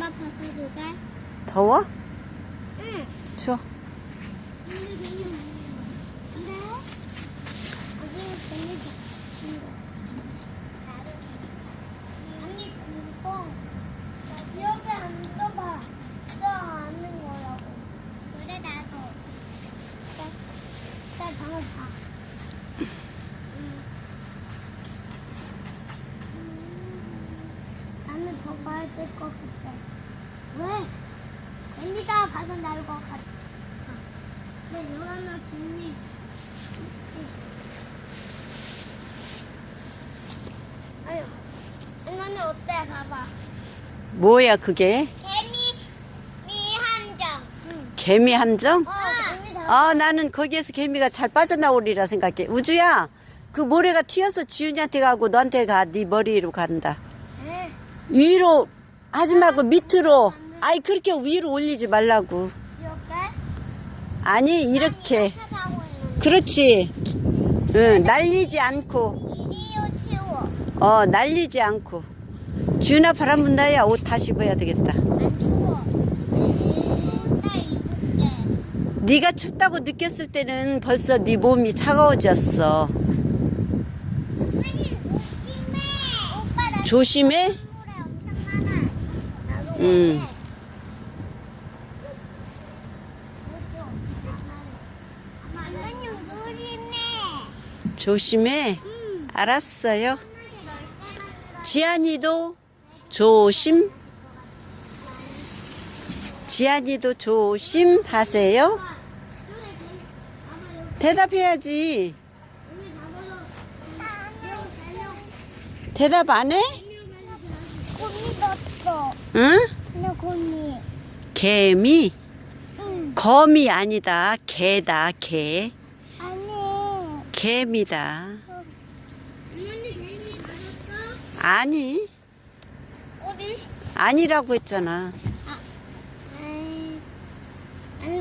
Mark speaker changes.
Speaker 1: 엄마 벗어도 돼?
Speaker 2: 더워?
Speaker 1: 응.
Speaker 2: 추워.
Speaker 1: 근데 어디는 재밌어. 나도 언니 그거 여기 앉아봐. 저 아는 거라고. 그래 나도. 나 방금 봐. 나는 더 봐야 될 것 같아. 왜? 애미가 봐서 나올 것 같아. 근데 여기는 김이. 아유, 이거는 어때? 봐봐.
Speaker 2: 뭐야 그게?
Speaker 1: 개미 함정. 응.
Speaker 2: 개미 함정?
Speaker 1: 개미 다.
Speaker 2: 아, 나는 거기에서 개미가 잘 빠져나오리라 생각해. 우주야, 그 모래가 튀어서 지훈이한테 가고 너한테 가. 네 머리로 간다.
Speaker 1: 네.
Speaker 2: 위로 하지 말고 밑으로. 아이, 그렇게 위로 올리지 말라고.
Speaker 1: 이렇게?
Speaker 2: 아니, 이렇게.
Speaker 1: 하고 있는데.
Speaker 2: 그렇지. 응, 날리지 않고.
Speaker 1: 이리요 치워.
Speaker 2: 날리지 않고. 지훈아, 바람 분다야. 옷 다시 입어야 되겠다.
Speaker 1: 안 추워. 추운데 입을게.
Speaker 2: 네가 춥다고 느꼈을 때는 벌써 네 몸이 차가워졌어.
Speaker 1: 어머니 조심해. 오빠 나
Speaker 2: 조심해.
Speaker 1: 물에 엄청 많아. 나도
Speaker 2: 응.
Speaker 1: 그래. 어머니 조심해.
Speaker 2: 조심해.
Speaker 1: 응.
Speaker 2: 알았어요. 지안이도 조심. 지안이도 조심하세요. 대답해야지. 대답 안 해?
Speaker 1: 곰이 넣었어.
Speaker 2: 응?
Speaker 1: 그냥 곰이.
Speaker 2: 개미.
Speaker 1: 응.
Speaker 2: 거미 아니다. 개다. 개.
Speaker 1: 아니.
Speaker 2: 개미다.
Speaker 1: 어머니 개미 맞았어?
Speaker 2: 아니.
Speaker 1: 어디?
Speaker 2: 아니라고 했잖아.